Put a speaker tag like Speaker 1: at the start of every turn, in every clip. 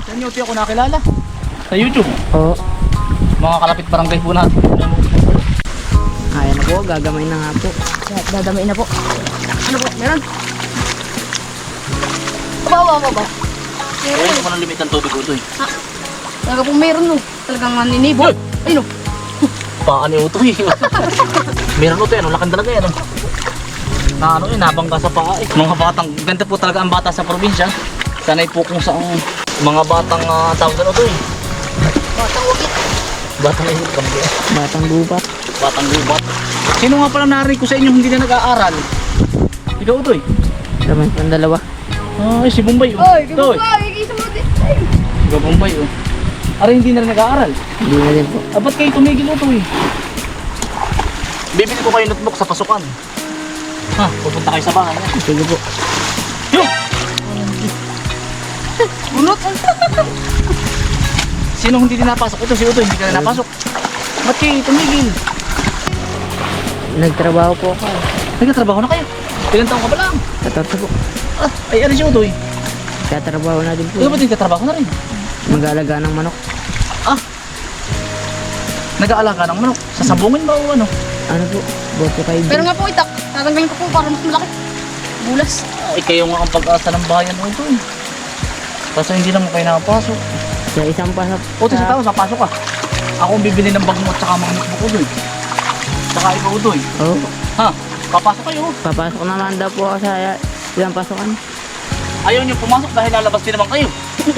Speaker 1: Saan niyo ako nakilala? Sa YouTube.
Speaker 2: Oo.
Speaker 1: Mga kalapit barangay po natin.
Speaker 2: Ayan na po, gagamay na nga po.
Speaker 3: Dadamay na po. Ano po? Meron? Bawa mo ba?
Speaker 1: Meron. Hindi mo nang limit ang tubig Utoy.
Speaker 3: Talaga po meron no. Talagang naninibo.
Speaker 1: Hoy!
Speaker 3: Ay no.
Speaker 1: Paan ni Utoy. Meron Utoy, ano? Lakan talaga yan. Na ano yun, nabangga sa paa eh. Mga batang, ganda po talaga ang bata sa probinsya. Sanay po kung saan mga batang tawag na Utoy.
Speaker 3: Batang wakit.
Speaker 1: Batang ihip kami.
Speaker 2: Batang gubat.
Speaker 1: Batang gubat. Sino nga pala narinig ko sa inyo hindi na nag-aaral? Ikaw Utoy.
Speaker 2: Gamay pang dalawa.
Speaker 1: Ay, si Bombay.
Speaker 3: Oy,
Speaker 1: Utoy.
Speaker 3: isa mo din. Ay.
Speaker 1: Ikaw Bombay. Aray, hindi na rin nag-aaral.
Speaker 2: Hindi na din po.
Speaker 1: Ba't kayo tumigil Utoy? Bibili ko kayo notebook sa pasukan. Ha, pupunta kayo sa bahay.
Speaker 2: Sige po.
Speaker 1: Yung!
Speaker 3: Bunot.
Speaker 1: Sino hindi din napasok? Ito si Utoy, hindi ka na napasok. Ba't kayo tumigil?
Speaker 2: Nagtrabaho po ako.
Speaker 1: Nagkatrabaho na kayo. Ilang taong ka ba lang?
Speaker 2: 14 po.
Speaker 1: Ay, ano si Utoy?
Speaker 2: Katrabaho na din po.
Speaker 1: Ikaw ba't nagkatrabaho na rin?
Speaker 2: Mag-aalaga ng manok.
Speaker 1: Nag-aalaga ng manok. Sasabungin ba o ano?
Speaker 2: Ano po? Boto kayo.
Speaker 3: Pero nga po itak. Tatanggalin ko po para mas malaki. Bulas.
Speaker 1: Ay, kayo nga ang pag-asa ng bayan Utoy. Kaso hindi naman kayo nakapasok.
Speaker 2: Sa isang pasap.
Speaker 1: Utoy sa tao, pasok ka. Ako ang bibili ng bag mo at saka mga notebook Utoy. Saka ikaw Utoy.
Speaker 2: Oo.
Speaker 1: Ha? Papasok kayo.
Speaker 2: Papasok naman daw po ako sa ilang pasukan.
Speaker 1: Ayaw niyo pumasok dahil lalabas din naman kayo.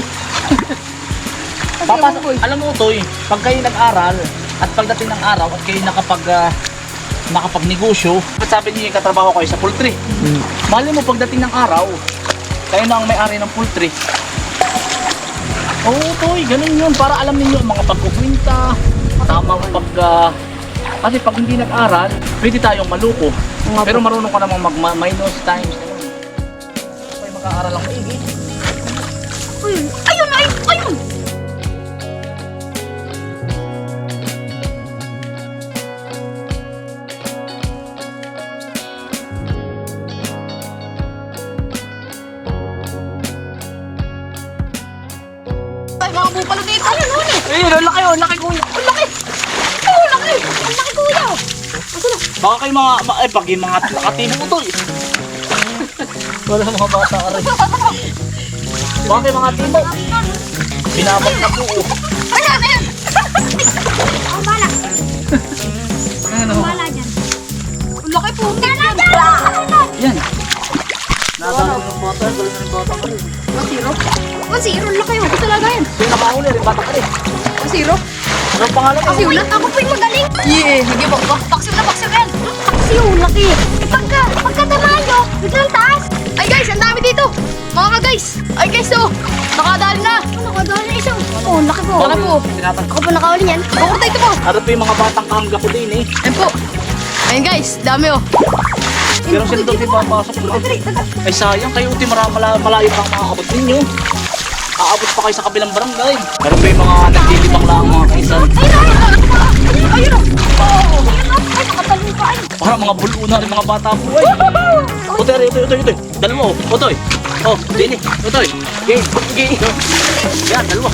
Speaker 1: Papasok. Alam mo Utoy, pag kayo nag-aral at pagdating ng araw at kayo nakapagnegosyo, ba't sabi niyo yung katrabaho kayo sa poultry? Mali mo pagdating ng araw, kayo na ang may-ari ng poultry. Oo Utoy, ganun yun. Para alam niyo ang mga pagkukwinta, tamang kasi pag hindi nag-aral, pwede tayong maluko. Pero marunong ka namang mag-minus times. Ay, mag-aaral lang maigi.
Speaker 3: Ayun! Ayun! Ay, mga bupalo dito. Ayun, huli.
Speaker 1: Ayun, ang laki, ang laki kuya.
Speaker 3: Ang laki. Ay, ang laki. Ang laki kuya. Asa na?
Speaker 1: Baka kayo pag yung mga nakatimo Utoy. Wala mga bata ka rin. Baka kayo mga timo. Binabag na po.
Speaker 3: Ayan, ayan. Ang bala.
Speaker 1: Ano?
Speaker 3: Ang bala dyan. Ang laki po. Bala dyan.
Speaker 1: Yan. Nadalo ng bata, galing ng bata ka rin.
Speaker 3: 1-0. 1-0. Ang laki. Ako talaga yan.
Speaker 1: Sino nakahuli rin, bata ka rin.
Speaker 3: 1-0.
Speaker 1: Anong pangalan mo?
Speaker 3: Paksiw lang. Ako po yung magaling. Yeah. Sige po ba? Paksiw na yan. Paksiw. Laki. Pagkatama nyo, biglang taas. Ay guys, ang dami dito. Mga guys. Ay guys, oh. Nakadali na. Nakadali na isang. Oh, laki po. Laki po. Ako po nakawali yan. Pakurta ito po.
Speaker 1: Ano po yung mga batang kahangga ko din eh.
Speaker 3: Ayan po. Ayan guys, dami oh.
Speaker 1: Pero sila doon din papasok doon. Ay sayang, kayo uti malayo pa ang makaabot ninyo. Aabot pa kayo sa kabilang barangay. Pero pa yung mga naglilibang lang mga kaisan.
Speaker 3: Ayun oh. Ay, nakatalong pa.
Speaker 1: Parang mga buluna rin mga bata po ay. Utoy, utoy. Dalawa oh. Utoy. Oh, dini. Utoy. Gay. Yan, dalawa.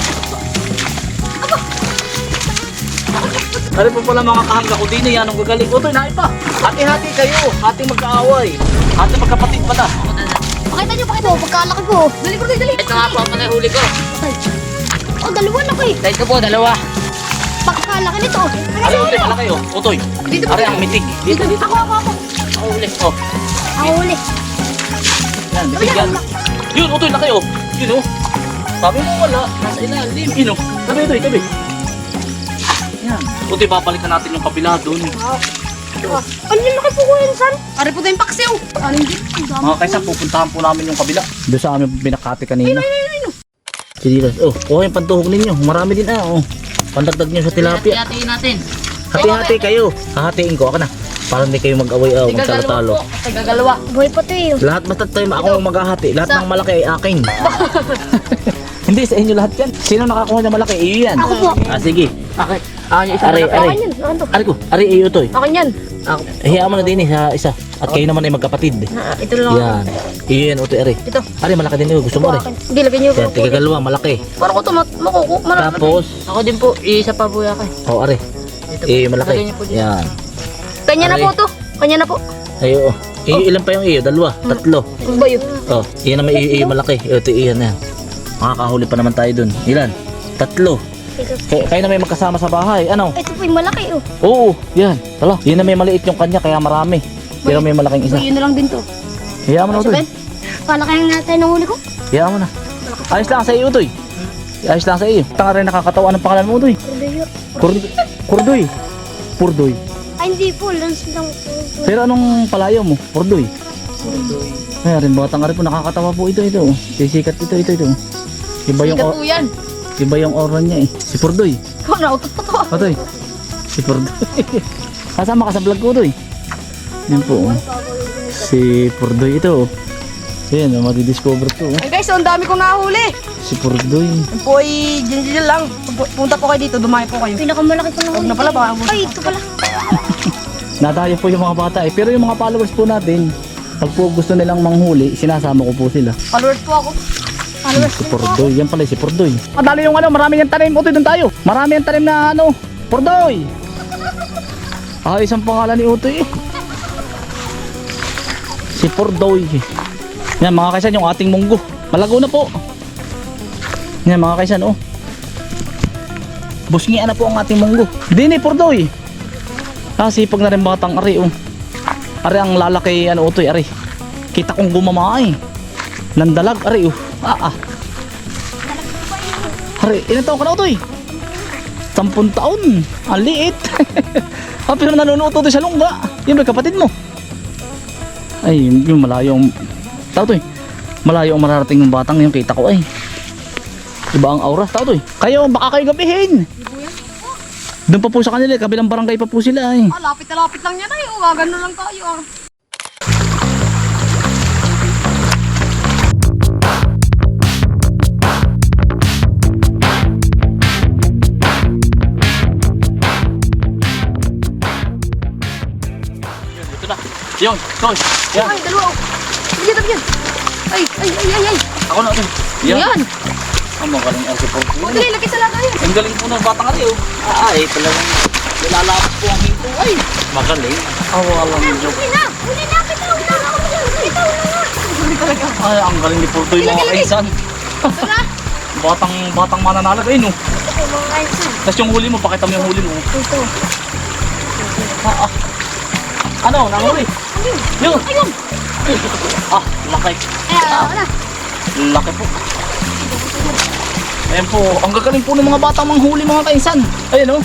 Speaker 1: Ano po pala mga kahangga ko din yan ang gagaling. Utoy, nain pa. Hati-hati kayo. Hating magkaaway. Hating magkapatid pala.
Speaker 3: Pakita nyo, pagkalaki ko. Dali ko, dali.
Speaker 2: Ito nga po ang panahuli ko.
Speaker 3: Oh, dalawa na kayo.
Speaker 2: Ito po, dalawa.
Speaker 3: Pagkalaki nito.
Speaker 1: Ano utoy, pala kayo? Utoy.
Speaker 3: Dito
Speaker 1: Ari ang mitig.
Speaker 3: Dito. Ako.
Speaker 1: Ako ulit. Oh.
Speaker 3: Ako uli.
Speaker 1: Yan, bibigyan. Yun, utoy na kayo. Yun oh. Sabi mo wala. Nasa ilalim. Yun oh. Tabi, utoy, tabi. Yan. Utoy, babalikan natin yung kabila doon.
Speaker 3: Ano yung laki po ko yun, San? Ari po tayong paksiw. Ano yung dito?
Speaker 1: Mga kaysa, pupuntahan po namin yung kabila. Doon sa amin binakati kanina. Sige, oh, yung pantuhog ninyo. Marami din oh. Pandagdag nyo sa tilapia.
Speaker 2: Hati-hatiin natin.
Speaker 1: Hati-hati kayo. Hahatiin ko. Ako na. Para hindi kayo mag-away magtalo-talo.
Speaker 3: Tagagalawa. Buhay pa tayo.
Speaker 1: Lahat basta tayo ako maghahati. Lahat ng malaki ay akin. Hindi, sa inyo lahat yan. Sino nakakuha ng malaki? Iyo yan.
Speaker 3: Ako po.
Speaker 1: Sige.
Speaker 2: Okay. Akin yung isa
Speaker 1: Ari,
Speaker 2: malaki.
Speaker 1: ari.
Speaker 3: Akin yan. Akin to.
Speaker 1: Ari ko. Ari, iyo to.
Speaker 3: Akin yan.
Speaker 1: Hiya mo na din sa isa. At kayo naman ay magkapatid.
Speaker 3: Ito lang.
Speaker 1: Yan. Iyan, utoy, are.
Speaker 3: Ito.
Speaker 1: Are, malaki din yun. Gusto mo, are.
Speaker 3: Hindi, lagyan niyo.
Speaker 1: Yan, tigagalawa, malaki.
Speaker 3: Para ko ito makuku.
Speaker 1: Tapos,
Speaker 2: Ako din po, isa pa po yakin.
Speaker 1: oh, are.
Speaker 2: Ito po.
Speaker 1: Eh, malaki.
Speaker 2: Lagyan niyo po dito.
Speaker 1: Yan.
Speaker 3: Kanya na po to. Kanya na po.
Speaker 1: Ay, oo. Ilan pa yung iyo? Dalawa, tatlo.
Speaker 3: Ano ba yun?
Speaker 1: Oh, iyan naman iyo malaki. Ito, iyan na yan. Makakahuli pa naman tayo dun. Ilan? Tatlo. Kayo na may magkasama sa bahay. Ano?
Speaker 3: Ito po yung malaki oh.
Speaker 1: Oo, yan. Tala, yun na may maliit yung kanya, kaya marami. Pero may malaking isa.
Speaker 3: Yun na lang din to.
Speaker 1: Hayaan mo na, Utoy.
Speaker 3: Palakayan natin ng huli ko.
Speaker 1: Hayaan mo na. Ayos lang sa iyo, Utoy. Ayos lang sa iyo. Tanga rin nakakatawa ng pangalan mo, Utoy. Kurdoy. Purdoy.
Speaker 3: Ay, hindi po. Lance lang po.
Speaker 1: Pero anong palayaw mo? Purdoy. Ay, rin batang ka rin po. Nakakatawa po ito. Sisikat ito. Iba yung,
Speaker 3: Sikat po yan.
Speaker 1: iba yung aura niya eh. Si Purdoy.
Speaker 3: Ikaw na, utot pa to.
Speaker 1: Utoy. Si Purdoy. Kasama ka sa vlog ko, Utoy. Yan po. Si Purdoy ito. Yan, madidiscover ko.
Speaker 2: Ay guys, ang dami kong nahuli.
Speaker 1: Si Purdoy.
Speaker 2: Yan po ay dyan lang. Punta po kayo dito, dumayo po kayo.
Speaker 3: Pinakamalaki po ng
Speaker 2: Huwag na pala, baka abot.
Speaker 3: Ay, ito pala.
Speaker 1: Natayo po yung mga bata eh. Pero yung mga followers po natin, pag po gusto nilang manghuli, sinasama ko po sila.
Speaker 2: Followers po ako.
Speaker 1: Si Purdoy. Yan pala si Purdoy. Madali yung ano, marami yung tanim. Utoy, doon tayo. Marami yung tanim na ano, Purdoy. Isang pangalan ni Utoy eh. Si Purdoy. Yan mga kaisan, yung ating munggo. Malago na po. Yan mga kaisan, oh. Busngian na po ang ating munggo. Dini, Purdoy. Sipag na rin batang ari, oh. Ari ang lalaki, ano, Utoy, ari. Kita kong gumamay. Nandalag, ari, oh. Ari, ilan taon ka na, Utoy? 10 taon. Ang liit. Pero nanonood Utoy sa lungga. Yun, may kapatid mo. Ay, yung malayo ang... Tao, Utoy. Malayo ang mararating ng batang yung kita ko, ay. Iba ang aura. Tao, Utoy. Kayo, baka kayo gabihin. Doon pa po sa kanila, kabilang barangay pa po sila, ay.
Speaker 2: Lapit na lapit lang yan ay. Gagano lang tayo.
Speaker 1: Ito na. Yun, Toy. Yan.
Speaker 3: Ay, dalawa oh. Sige, tabi yan. Ay.
Speaker 1: Ako na, Utoy.
Speaker 3: Yan.
Speaker 1: Ang magaling ang si Purdoy.
Speaker 3: Huwag dali, laki sa laga yan.
Speaker 1: Ang galing po ng batang ali, oh. Talagang nilalapot po ang hinto, ay. Magaling. Awalang Diyos.
Speaker 3: Huli na. Bitaw na nga.
Speaker 1: Ay, ang galing ni Purdoy, mga kaisan. Batang mananalag, ay, no.
Speaker 3: Mga kainsan.
Speaker 1: Tapos yung huli mo, pakita mo yung huli mo.
Speaker 3: Ito.
Speaker 1: Ano, nanguli? Yun.
Speaker 3: Ayun.
Speaker 1: Laki.
Speaker 3: Wala.
Speaker 1: Laki po. Ayan po, ang gagaling po ng mga batang manghuli, mga kainsan. Ayan, oh.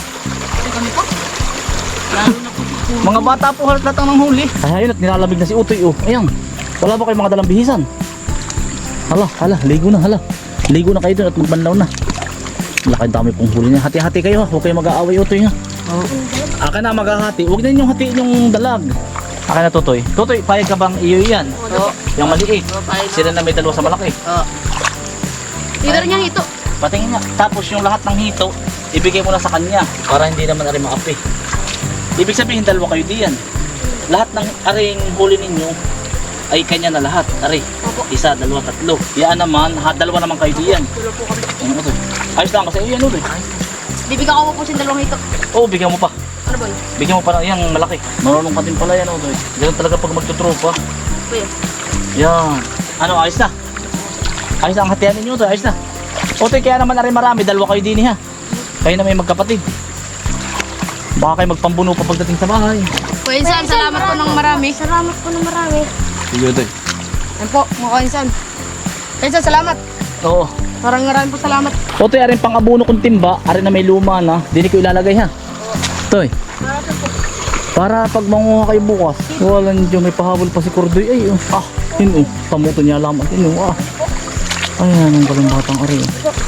Speaker 1: Mga bata po halat lahat ang huli. Ay, ayun, at nilalamig na si Utoy, oh. Ayan. Wala ba kayong mga dalang bihisan? Hala, ligo na, ligo na kayo dun at magbanlaw na. Laki dami pong huli niya. Hati-hati kayo, ha. Huwag kayo mag-aaway, Utoy, ha. Akin na maghahati. Huwag na yung hatiin yung dalag. Akin na, Tutoy. Tutoy, payag ka bang iyo yan? Yung maliit. Sila na may dalawa sa malaki.
Speaker 3: Dito rin yung hito.
Speaker 1: Patingin niya. Tapos yung lahat ng hito, ibigay mo na sa kanya para hindi naman ari maapi. Ibig sabihin dalawa kayo diyan. Lahat ng aring huli ninyo ay kanya na lahat. Ari, isa, dalawa, tatlo. Yan naman, dalawa naman kayo diyan. Ayos lang kasi yan, Utoy.
Speaker 3: Bibigyan ko po yung dalawang hito.
Speaker 1: Oo, bigyan mo pa.
Speaker 3: Ano ba yun?
Speaker 1: Bigyan mo pa na yung malaki. Marunong ka din pala yan, Utoy. Ganun talaga pag magtutropa.
Speaker 3: Kuya.
Speaker 1: Yan. Ano, ayos na. Ayos na ang hatihan ninyo, Utoy. Ayos na. Utoy, kaya naman na rin marami. Dalawa kayo din, ha. Kayo na may magkapatid. Baka kayo magpambuno pa pagdating sa bahay.
Speaker 2: Kuya Insan, salamat po ng marami.
Speaker 3: Salamat po ng marami.
Speaker 1: Sige, Utoy.
Speaker 2: Yan po, mga Insan. Insan, salamat.
Speaker 1: Oo.
Speaker 2: Maraming po salamat.
Speaker 1: Utoy, arin pang abuno kong timba. Arin na may luma na. Dini ko ilalagay, ha. Utoy. Para pag manguha kayo bukas. Walang Diyo, may pahabol pa si Kurdoy. Ay, oh. Yun, oh. Pamuto niya lamang. Yun, oh. Ayan, ang galing batang ari.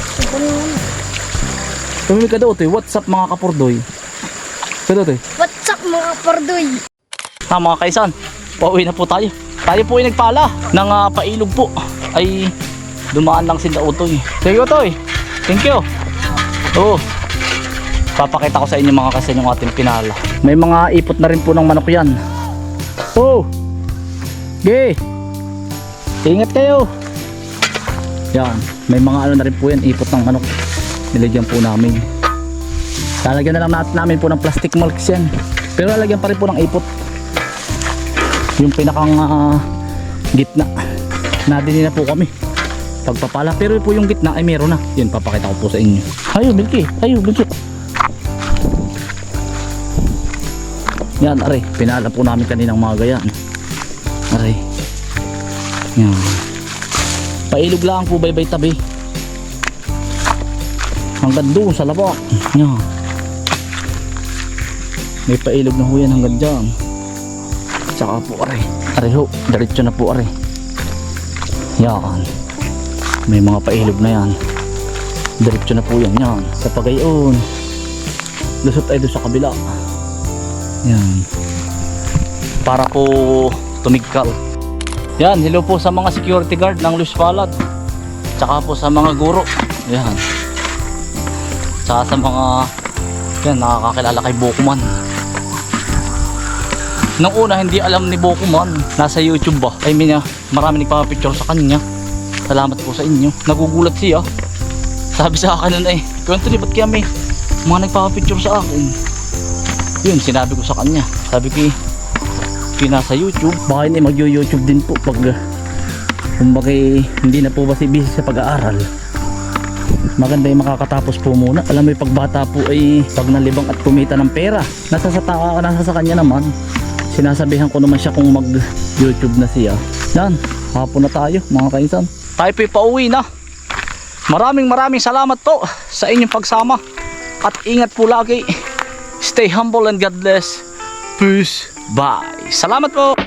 Speaker 1: Tumimik ka daw, Utoy. What's up, mga kapurdoy? Kaya, Utoy.
Speaker 3: What's up mga Purdoy?
Speaker 1: Mga kaisan, pauwi na po tayo. Tayo po ay nagpala ng pailog po. Ay, dumaan lang sila Utoy. Sige, Utoy. Thank you. Oo. Papakita ko sa inyo mga kaisan yung ating pinala. May mga ipot na rin po ng manok yan. Oh, Okay. Ingat kayo. Yan. May mga ano na rin po yan. Ipot ng manok. Nilagyan po namin. Lalagyan na lang namin po ng plastic mulch yan. Pero lalagyan pa rin po ng ipot. Yung pinakang gitna. Nadini na po kami. Pagpapala. Pero po yung gitna ay meron na. Yun, papakita ko po sa inyo. Ayo, Milky. Ayo, Milky. Yan, aray. Pinala po namin kaninang mga gayan. Aray. Yan. Pailog lang po baybay tabi. Hanggang doon sa labak. Yan. May pailog na ho yan hanggang dyan. Tsaka po aray. Aray ho. Diretso na po aray. Yan. May mga pailog na yan. Diretso na po yan. Yan. Sa pagayon. Lusot ay doon sa kabila. Yan. Para po tumigkal. Yan. Hello po sa mga security guard ng Luis Palad. Tsaka po sa mga guro. Yan. Tsaka sa mga yan, nakakakilala kay Bokuman. Nung una hindi alam ni Bokuman. Nasa YouTube ba? I mean, marami nagpapapicture sa kanya. Salamat po sa inyo. Nagugulat siya. Sabi sa akin nun Anthony, ba't kaya may mga nagpapapicture sa akin? Yun, sinabi ko sa kanya. Sabi ko, nasa YouTube. Baka hindi mag-YouTube din po pag kumbaga hindi na po ba si busy sa pag-aaral. Maganda yung makakatapos po muna. Alam mo yung pagbata po ay pag nalibang at kumita ng pera. Nasa sa kanya naman. Sinasabihan ko naman siya kung mag-YouTube na siya. Yan, hapon na tayo mga kainsan. Tayo po'y pauwi na. Maraming salamat po sa inyong pagsama. At ingat po lagi. Stay humble and God bless. Peace. Bye. Salamat po.